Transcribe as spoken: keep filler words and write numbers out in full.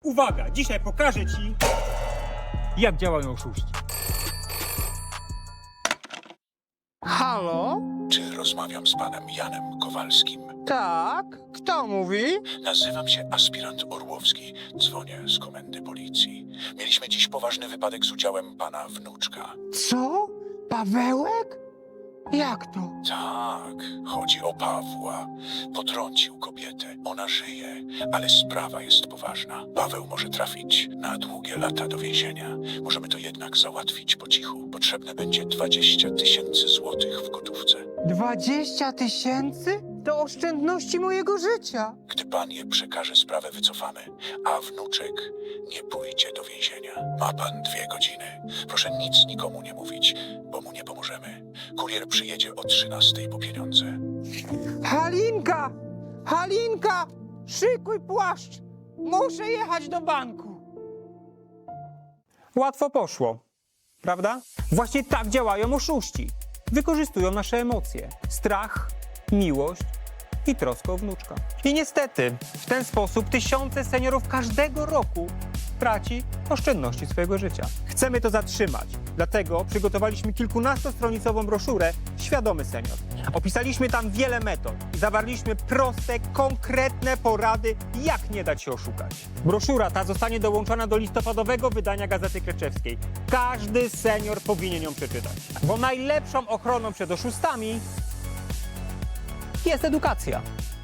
Uwaga, dzisiaj pokażę ci, jak działają oszuści. Halo? Czy rozmawiam z panem Janem Kowalskim? Tak? Kto mówi? Nazywam się aspirant Orłowski. Dzwonię z komendy policji. Mieliśmy dziś poważny wypadek z udziałem pana wnuczka. Co? Pawełek? Jak to? Tak, chodzi o Pawła. Potrącił kobietę. Ona żyje, ale sprawa jest poważna. Paweł może trafić na długie lata do więzienia. Możemy to jednak załatwić po cichu. Potrzebne będzie dwadzieścia tysięcy złotych w gotówce. Dwadzieścia tysięcy? To oszczędności mojego życia. Gdy pan je przekaże, sprawę wycofamy, a wnuczek nie pójdzie do więzienia. Ma pan dwie godziny. Proszę nic nikomu nie mówić, bo mu nie pomożemy. Kurier przyjedzie o trzynastej po pieniądze. Halinka! Halinka! Szykuj płaszcz! Muszę jechać do banku. Łatwo poszło, prawda? Właśnie tak działają oszuści. Wykorzystują nasze emocje, strach, miłość i troskę o wnuczka. I niestety w ten sposób tysiące seniorów każdego roku traci oszczędności swojego życia. Chcemy to zatrzymać, dlatego przygotowaliśmy kilkunastostronicową broszurę Świadomy Senior. Opisaliśmy tam wiele metod i zawarliśmy proste, konkretne porady, jak nie dać się oszukać. Broszura ta zostanie dołączona do listopadowego wydania Gazety Kleczewskiej. Każdy senior powinien ją przeczytać, bo najlepszą ochroną przed oszustami jest edukacja.